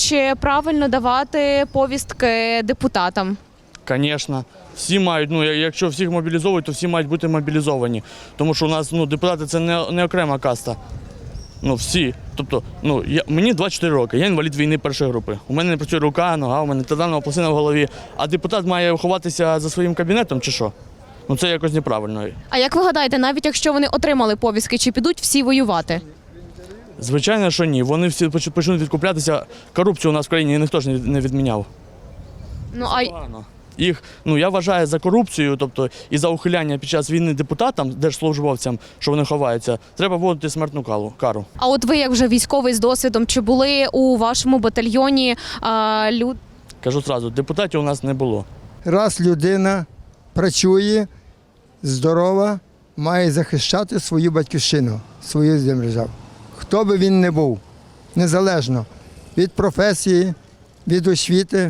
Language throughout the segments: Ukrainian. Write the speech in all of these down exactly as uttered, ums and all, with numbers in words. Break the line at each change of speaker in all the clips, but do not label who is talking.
чи правильно давати повістки депутатам?
Звісно. Всі мають, ну, якщо всіх мобілізовують, то всі мають бути мобілізовані. Тому що у нас ну, депутати – це не, не окрема каста. Ну, всі. Тобто, ну, я, мені двадцять чотири роки, я інвалід війни першої групи. У мене не працює рука, нога, у мене титанова пластина в голові. А депутат має ховатися за своїм кабінетом чи що? Ну, це якось неправильно.
А як ви гадаєте, навіть якщо вони отримали повістки, чи підуть всі воювати?
Звичайно, що ні. Вони всі почнуть відкуплятися. Корупцію у нас в країні ніхто ж не відміняв.
Ну, а...
Погано. Їх, ну, я вважаю, за корупцію, тобто і за ухиляння під час війни депутатам, держслужбовцям, що вони ховаються, треба вводити смертну кару.
А от ви, як вже військовий з досвідом, чи були у вашому батальйоні а, люди?
Кажу одразу, депутатів у нас не було.
Раз людина працює, здорова, має захищати свою батьківщину, свою державу. Хто би він не був, незалежно від професії, від освіти,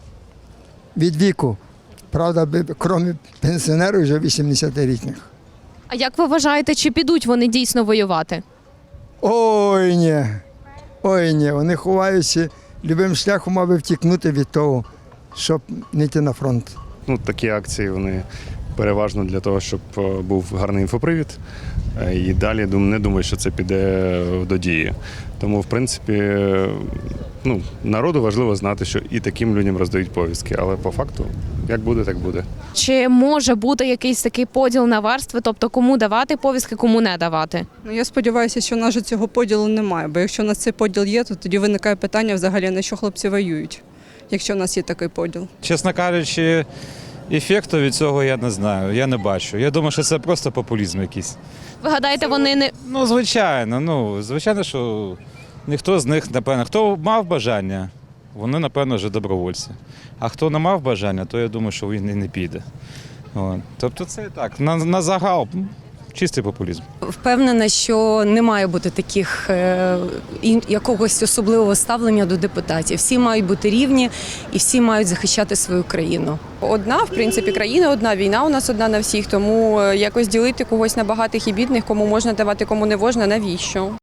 від віку. Правда, крім пенсіонерів, вже вісімдесятирічних.
А як ви вважаєте, чи підуть вони дійсно воювати?
Ой, ні. Ой, ні. Вони ховаються, любим шляхом, аби втікнути від того, щоб не йти на фронт.
Ну, такі акції, вони переважно для того, щоб був гарний інфопривід. І далі не думаю, що це піде до дії. Тому, в принципі, ну, народу важливо знати, що і таким людям роздають повістки. Але по факту, як буде, так буде.
Чи може бути якийсь такий поділ на верстви, тобто кому давати повістки, кому не давати?
Ну, я сподіваюся, що в нас же цього поділу немає, бо якщо у нас цей поділ є, то тоді виникає питання взагалі, на що хлопці воюють, якщо в нас є такий поділ.
Чесно кажучи, ефекту від цього я не знаю, я не бачу. Я думаю, що це просто популізм якийсь.
Ви гадаєте, вони не...
Ну, звичайно, ну, звичайно, що ніхто з них, напевно, хто мав бажання, вони, напевно, вже добровольці. А хто не мав бажання, то я думаю, що він і не піде. От. Тобто це так, на, на загал, чистий популізм.
Впевнена, що не має бути таких е, якогось особливого ставлення до депутатів. Всі мають бути рівні і всі мають захищати свою країну.
Одна, в принципі, країна одна, війна у нас одна на всіх, тому якось ділити когось на багатих і бідних, кому можна давати, кому не можна, навіщо?